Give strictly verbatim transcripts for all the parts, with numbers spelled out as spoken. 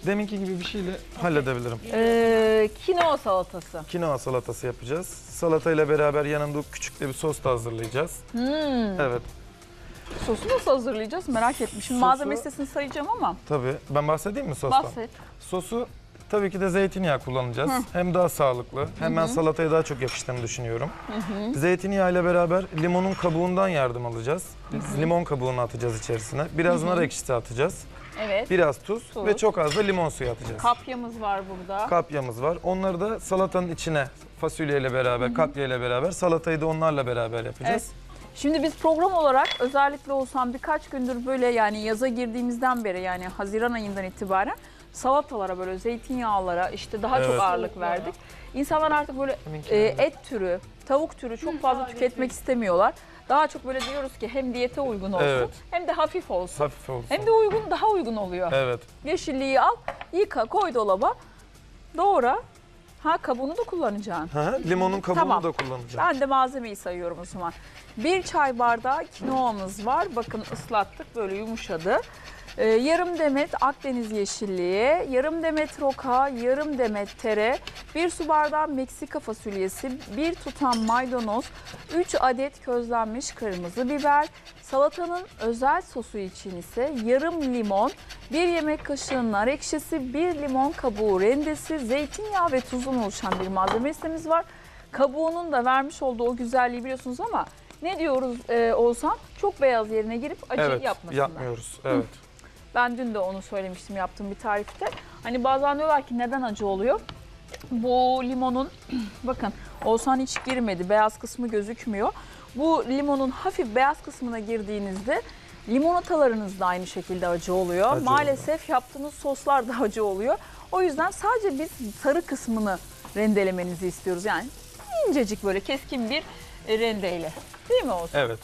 Deminki gibi bir şeyle halledebilirim. Ee, kinoa salatası. Kinoa salatası yapacağız. Salatayla beraber yanında küçük de bir sos da hazırlayacağız. Hmm. Evet. Sosu nasıl hazırlayacağız merak etmişim. Sosu- Malzeme listesini sayacağım ama. Tabii. Ben bahsedeyim mi sostan? Bahset. Sosu tabii ki de zeytinyağı kullanacağız. Hı. Hem daha sağlıklı hem ben salataya daha çok yakıştığını düşünüyorum. Zeytinyağı ile beraber limonun kabuğundan yardım alacağız. Biz limon kabuğunu atacağız içerisine. Biraz nar ekşisi atacağız. Evet. Biraz tuz, Tuz. ve çok az da limon suyu atacağız. Kapyamız var burada. Kapyamız var. Onları da salatanın içine fasulyeyle beraber, kapyayla beraber salatayı da onlarla beraber yapacağız. Şimdi biz program olarak özellikle olsam birkaç gündür böyle yani yaza girdiğimizden beri yani Haziran ayından itibaren salatalara böyle zeytinyağlara işte daha Evet. çok ağırlık verdik. İnsanlar artık böyle e, et türü, tavuk türü çok fazla tüketmek istemiyorlar. Daha çok böyle diyoruz ki hem diyete uygun olsun Evet. hem de hafif olsun. Hafif olsun. Hem de uygun daha uygun oluyor. Evet. Yeşilliği al, yıka, koy dolaba, doğra. Ha kabuğunu da kullanacaksın. Hı hı, limonun kabuğunu Tamam. da kullanacağım. Ben de malzemeyi sayıyorum o zaman. Bir çay bardağı kinoamız var. Bakın ıslattık böyle yumuşadı. Ee, yarım demet Akdeniz yeşilliği, yarım demet roka, yarım demet tere, bir su bardağı Meksika fasulyesi, bir tutam maydanoz, üç adet közlenmiş kırmızı biber, salatanın özel sosu için ise yarım limon, bir yemek kaşığı nar ekşisi, bir limon kabuğu rendesi, zeytinyağı ve tuzun oluşan bir malzeme listemiz var. Kabuğunun da vermiş olduğu o güzelliği biliyorsunuz ama ne diyoruz e, Oğuzhan? Çok beyaz yerine girip acı Evet, yapmasınlar. yapmıyoruz. Evet. Ben dün de onu söylemiştim yaptığım bir tarifte. Hani bazen diyorlar ki neden acı oluyor? Bu limonun bakın Oğuzhan hiç girmedi. Beyaz kısmı gözükmüyor. Bu limonun hafif beyaz kısmına girdiğinizde limonatalarınız da aynı şekilde acı oluyor. Acı Maalesef yaptığınız soslar da acı oluyor. O yüzden sadece biz sarı kısmını rendelemenizi istiyoruz. Yani incecik böyle keskin bir rendeyle. Değil mi Oğuzhan? Evet.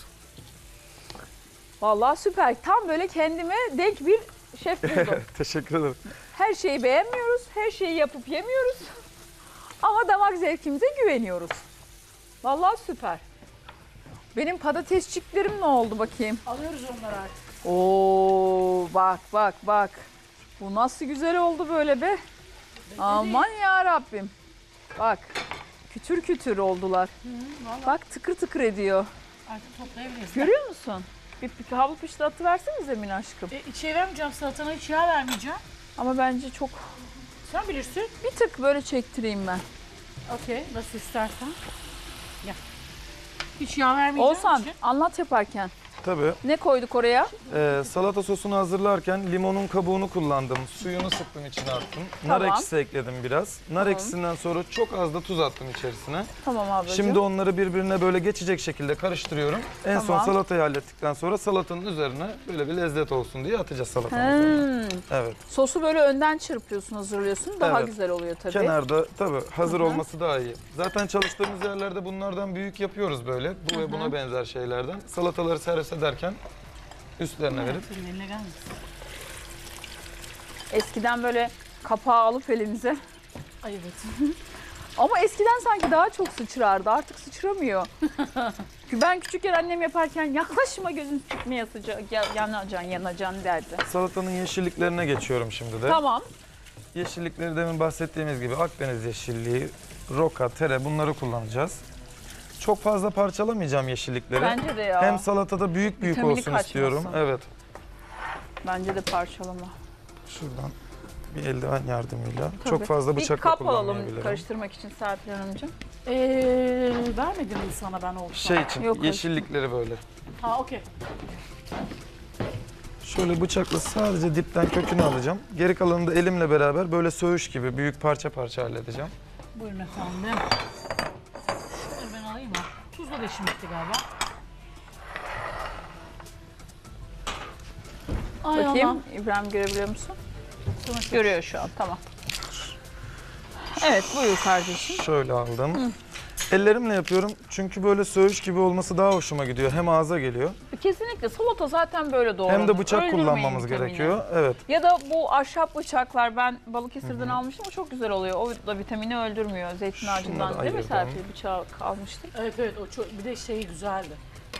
Vallahi süper. Tam böyle kendime denk bir şef buldum. Teşekkür ederim. Her şeyi beğenmiyoruz, her şeyi yapıp yemiyoruz. Ama damak zevkimize güveniyoruz. Vallahi süper. Benim patatesçiklerim ne oldu bakayım? Alıyoruz onları artık. Oo, bak bak bak. Bu nasıl güzel oldu böyle be. Aman ya Rabbim. Bak. Kütür kütür oldular. Vallahi Bak tıkır tıkır ediyor. artık toplayabiliriz. Görüyor musun? Bir, bir havlu pişti versenize Mine aşkım. E, içe vermeyeceğim, salatana hiç yağ vermeyeceğim. Ama bence çok Sen bilirsin. bir tık böyle çektireyim ben. Okey, nasıl istersen. Gel. Hiç yağ vermeyeceğim. Oğuzhan için. anlat yaparken. Tabii. Ne koyduk oraya? Ee, salata sosunu hazırlarken limonun kabuğunu kullandım. Suyunu sıktım, içine attım. Nar Tamam. ekşisi ekledim biraz. Nar Tamam. ekşisinden sonra çok az da tuz attım içerisine. Tamam ablacığım. Şimdi onları birbirine böyle geçecek şekilde karıştırıyorum. En son Tamam. salatayı hallettikten sonra salatanın üzerine böyle bir lezzet olsun diye atacağız salatanın üzerine. Hmm. Evet. Sosu böyle önden çırpıyorsun, hazırlıyorsun. Daha Evet. güzel oluyor tabii. Kenarda tabii hazır Hı hı. olması daha iyi. Zaten çalıştığımız yerlerde bunlardan büyük yapıyoruz böyle. Bu ve buna benzer şeylerden. Salataları servis ederken üstlerine verip Senin eline gelmesin. Eskiden böyle kapağı alıp elinize. Ay evet. Ama eskiden sanki daha çok sıçrardı. Artık sıçramıyor. Ben küçükken annem yaparken yaklaşma gözün çıkmaya sıcak, ya- yanacaksın, yanacaksın derdi. salatanın yeşilliklerine geçiyorum şimdi de. Tamam. Yeşillikleri demin bahsettiğimiz gibi Akdeniz yeşilliği, roka, tere bunları kullanacağız. Çok fazla parçalamayacağım yeşillikleri. Bence de ya. Hem salatada büyük büyük Vitamini olsun kaçmasın. istiyorum. Evet. Bence de parçalama. Şuradan bir eldiven yardımıyla. Tabii. Çok fazla Bir bıçakla kap alalım kullanmayabilirim. karıştırmak için Serpil Hanımcığım. Ee, vermedim mi sana ben olsam? Şey için Yok, yeşillikleri böyle. Ha okey. Şöyle bıçakla sadece dipten kökünü alacağım. Geri kalanını da elimle beraber böyle söğüş gibi büyük parça parça halledeceğim. Buyurun efendim. Şunları ben alayım mı? Tuzla da işim bitti galiba. Ay Bakayım Allah. İbrahim görebiliyor musun? Sana çok- Görüyor şu an, tamam. Evet, buyur kardeşim. Şöyle aldım. Ellerimle yapıyorum çünkü böyle söğüş gibi olması daha hoşuma gidiyor. Hem ağza geliyor Kesinlikle salata zaten böyle doğranır. hem de bıçak Öldürmeyin kullanmamız vitamini. gerekiyor. Evet. Ya da bu ahşap bıçaklar ben Balıkesir'den almıştım, o çok güzel oluyor. O da vitamini öldürmüyor zeytin Şunları ağacından değil mi ayırdım. Serpil? Bıçağı almıştık. Evet evet o çok, bir de şeyi güzeldi.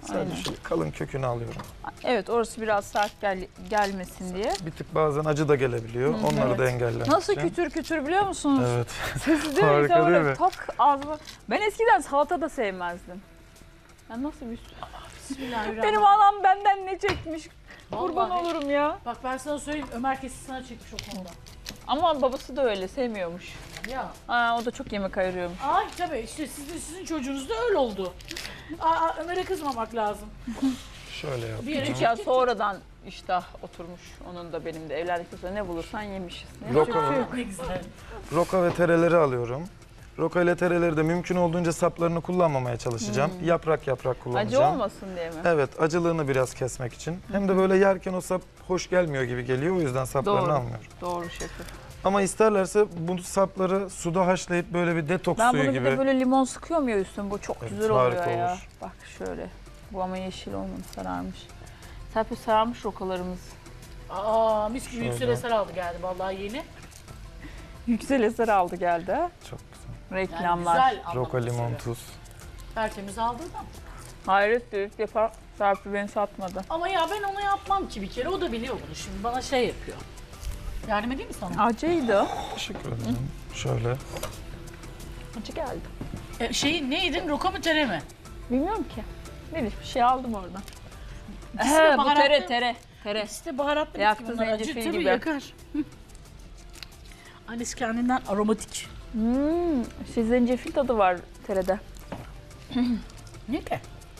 Sadece Aynen. şöyle kalın kökünü alıyorum. Evet, orası biraz sert gel gelmesin diye. Bir tık bazen acı da gelebiliyor. Onları evet. da engellemek Nasıl için. kütür kütür biliyor musunuz? Evet. Sesi değil Harika mi? değil Böyle mi? tak ağzıma. Ben eskiden salata da sevmezdim. Ya nasıl bir... Bismillahirrahmanirrahim. Benim anam benden ne çekmiş? Kurban Vallahi. olurum ya. Bak ben sana söyleyeyim, Ömer kesin sana çekmiş o konuda. Ama babası da öyle sevmiyormuş. Ya. Aa, o da çok yemek ayırıyormuş. Ay tabii işte sizin, sizin çocuğunuz da öyle oldu. Aa, Ömer'e kızmamak lazım. Şöyle yap. Bir yere Küçük ya sonradan iştah oturmuş. Onun da benim de evlendikten sonra ne bulursan yemişiz. Ne Roka, yapacak bir şey yok. Ne güzel. roka ve tereleri alıyorum. Roka ile tereleri de mümkün olduğunca saplarını kullanmamaya çalışacağım. Yaprak yaprak kullanacağım. Acı olmasın diye mi? Evet, acılığını biraz kesmek için. Hem de böyle yerken o sap hoş gelmiyor gibi geliyor. O yüzden saplarını Doğru. almıyorum. Doğru şefim. Ama isterlerse bu sapları suda haşlayıp böyle bir detoks Ben suyu bunu bir gibi. de böyle limon sıkıyorum ya üstüne. Bu çok Evet, güzel oluyor harika ya. olur. Bak şöyle. Bu ama yeşil olmadı, sararmış. Serpil sararmış rokalarımız. Aa, mis gibi Şöyle. yüksel eser aldı geldi vallahi yeni. Yüksel eser aldı geldi. ha. Çok güzel. Yani Reklamlar. güzel anlamda Roka, limon, söylüyorum. tuz. Tertemiz aldı da. Hayret büyük yapar. Serpil beni satmadı. Ama ya ben onu yapmam ki bir kere. O da biliyor bunu. Şimdi bana şey yapıyor. Yardım edeyim mi sana? Acıydı. Teşekkür ederim. Şöyle. Acı geldi. E, şeyi ne yedin? Roka mı tere mi? Bilmiyorum ki. Ne bir şey aldım oradan. İkisi de He, bu baharatlı. tere tere. Tere. İkisi de baharatlı. Yaktı bitki bunlar. Acı zencefil tabii gibi. yakar. Hı. Annesi kendinden aromatik. Hmm, şey zencefil tadı var terede. Ne ki?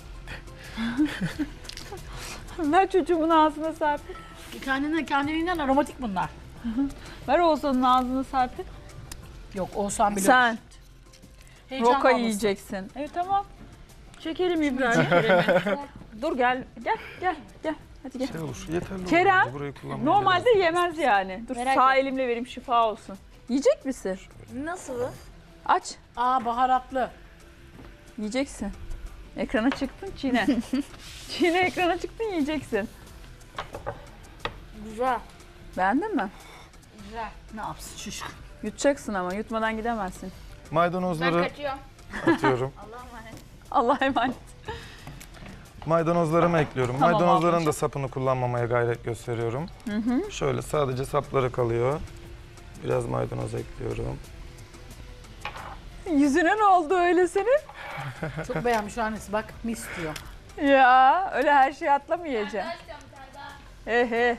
Ver çocuğumun ağzına Serpil. Kendinden kendiliğinden aromatik bunlar. Ver Oğuzhan'ın ağzına Serpil. Yok Oğuzhan bile. Sen Heyecan roka almasın. yiyeceksin. Evet tamam. Çekelim İbrahim. Dur gel gel gel gel. Hadi gel. Şey olur. Yeterli olur. Kerem, bence. Burayı kullanmayabiliriz. Normalde yemez yani. Dur Merak sağ et. elimle vereyim şifa olsun. Yiyecek misin? Nasıl? Aç. Aa baharatlı. Yiyeceksin. Ekrana çıktın çiğne. Çiğne ekrana çıktın yiyeceksin. Güzel. Beğendin mi? Güzel. Ne yapsın çocuk? Yutacaksın ama yutmadan gidemezsin. Ben Maydanozları kaçıyorum. atıyorum. Allah'a emanet. Allah'a emanet. Maydanozlarımı ekliyorum. Tamam Maydanozların ablacığım. da sapını kullanmamaya gayret gösteriyorum. Şöyle sadece sapları kalıyor. Biraz maydanoz ekliyorum. Yüzüne ne oldu öyle senin? Çok beğenmiş annesi bak mis diyor. Ya öyle her şeyi atlamayacaksın. He he.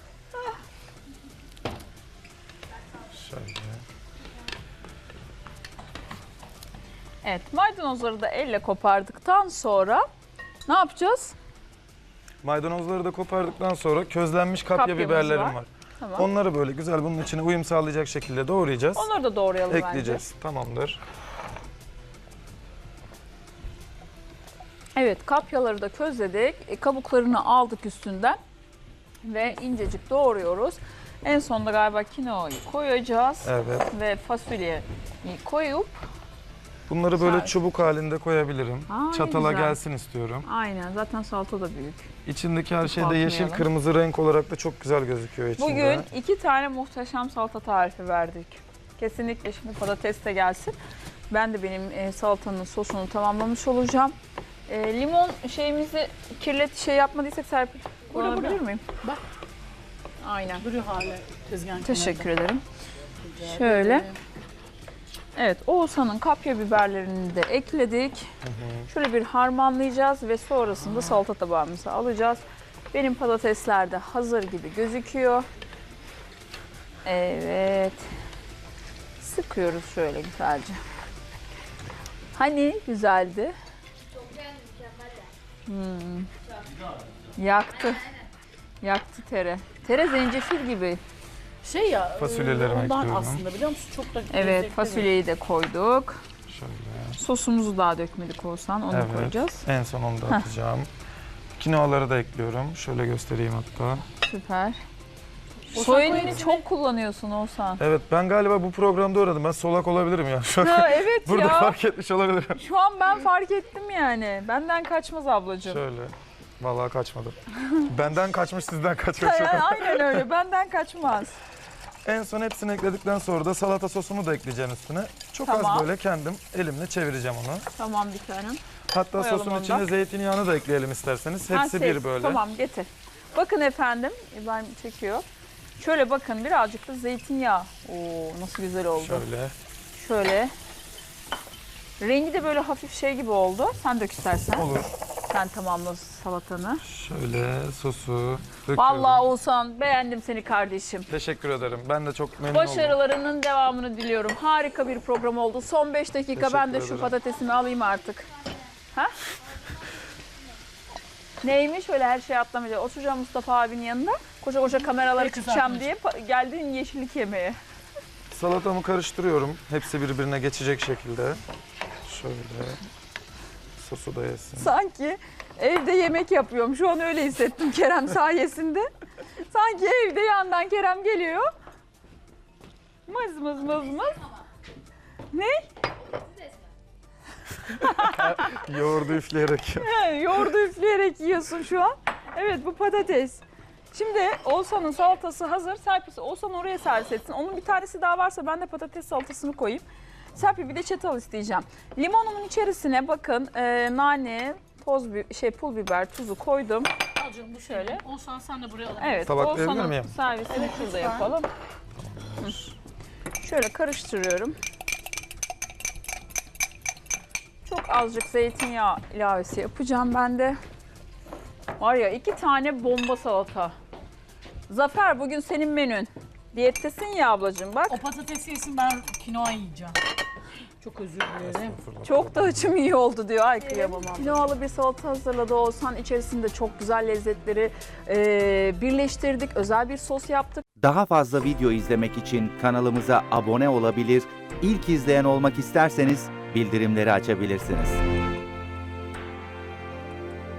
Şöyle. Evet, maydanozları da elle kopardıktan sonra ne yapacağız? Maydanozları da kopardıktan sonra közlenmiş kapya Kapyamız biberlerim var. var. Tamam. Onları böyle güzel bunun içine uyum sağlayacak şekilde doğrayacağız. Onları da doğrayalım Ekleyeceğiz. Tamamdır. bence. Evet, kapyaları da közledik. E, kabuklarını aldık üstünden ve incecik doğruyoruz. En sonunda galiba kinoayı koyacağız Evet. ve fasulyeyi koyup Bunları böyle Sağ- çubuk halinde koyabilirim. Aa, ne Çatala güzel. gelsin istiyorum. aynen zaten salata da büyük. İçindeki her şey de yeşil Bakmayalım. kırmızı renk olarak da çok güzel gözüküyor içinde. Bugün iki tane muhteşem salata tarifi verdik. Kesinlikle şimdi patates de gelsin. Ben de benim e, salatanın sosunu tamamlamış olacağım. E, limon şeyimizi kirlet şey yapmadıysak Serpil Burada, kullanabilir burada. miyim? Bak. Aynen. Duruyor hala tezgahın Teşekkür ederim. kenarında. Şöyle. Rica ederim. Evet, Oğuzhan'ın kapya biberlerini de ekledik. Şöyle bir harmanlayacağız ve sonrasında salata tabağımıza alacağız. Benim patatesler de hazır gibi gözüküyor. Evet. Sıkıyoruz şöyle güzelce. Hani güzeldi? Çok beğendim, mükemmel de. Hmm. Yaktı. Yaktı tere. Tere zencefil gibi. Şey ya Fasulyelerimi e, ondan ekliyorum. aslında biliyor musun? Çok da Evet, lezzetli. fasulyeyi de koyduk. Şöyle. Sosumuzu daha dökmedik Oğuzhan, onu da Evet. koyacağız. En son onu da atacağım. Kinoaları da ekliyorum. Şöyle göstereyim hatta. Süper. Oğuzhan Soy koy elini hepsini. çok kullanıyorsun Oğuzhan. Evet, ben galiba bu programda öğrendim. Ben solak olabilirim ya. Şu an Ha, evet burada ya. fark etmiş olabilirim. Şu an ben fark ettim yani. Benden kaçmaz ablacığım. Şöyle. Vallahi kaçmadım. Benden kaçmış, sizden kaçmış. Yani aynen öyle. Benden kaçmaz. En son hepsini ekledikten sonra da salata sosumu da ekleyeceğim üstüne. Çok Tamam. az böyle kendim elimle çevireceğim onu. Tamam bir tanem. Hatta Koyalım sosun onu da. içine zeytinyağını da ekleyelim isterseniz. Ha, Hepsi sev- bir böyle. Tamam getir. Bakın efendim, İbrahim çekiyor. Şöyle bakın birazcık da zeytinyağı. Oo nasıl güzel oldu. Şöyle. Şöyle. Rengi de böyle hafif şey gibi oldu. Sen dök istersen. Olur. Sen tamamla salatanı. Şöyle sosu döküyorum. Vallahi Oğuzhan beğendim seni kardeşim. Teşekkür ederim. Ben de çok memnun oldum. Başarılarının devamını diliyorum. Harika bir program oldu. Son beş dakika Teşekkür ben de şu ederim. patatesimi alayım artık. Ha? Neymiş öyle her şey atlamayacak. Oturacağım Mustafa abinin yanında. Koca koca kameraları Peki, tutacağım zaten. diye pa- geldin yeşillik yemeye. Salatamı karıştırıyorum. Hepsi birbirine geçecek şekilde. Şöyle. Sosu da yesin. Sanki evde yemek yapıyorum. Şu an öyle hissettim Kerem sayesinde. Sanki evde yandan Kerem geliyor. Mız mız mız mız. Ne? Yoğurdu üfleyerek. He, yoğurdu üfleyerek yiyorsun şu an. Evet bu patates. Şimdi Oğuzhan'ın salatası hazır. Serpil Oğuzhan oraya servis etsin. Onun bir tanesi daha varsa ben de patates salatasını koyayım. Serpil bir de çatal isteyeceğim. Limonumun içerisine bakın e, nane, toz bi- şey pul biber, tuzu koydum. Al canım bu şöyle. Olsan sen de buraya alabilirsin. Evet, Tabaklayabilir Oğuzhan'ın miyim? servisini şurada yapalım. Hı. Şöyle karıştırıyorum. Çok azıcık zeytinyağı ilavesi yapacağım ben de. Var ya iki tane bomba salata. Zafer bugün senin menün. Diyettesin ya ablacığım bak. O patatesi yesin ben kinoa yiyeceğim. Çok özür dilerim. Çok da açım iyi oldu diyor. Ay kıyamam. Kinoalı bir salata hazırladı Oğuzhan. İçerisinde çok güzel lezzetleri e, birleştirdik. Özel bir sos yaptık. Daha fazla video izlemek için kanalımıza abone olabilir, ilk izleyen olmak isterseniz bildirimleri açabilirsiniz.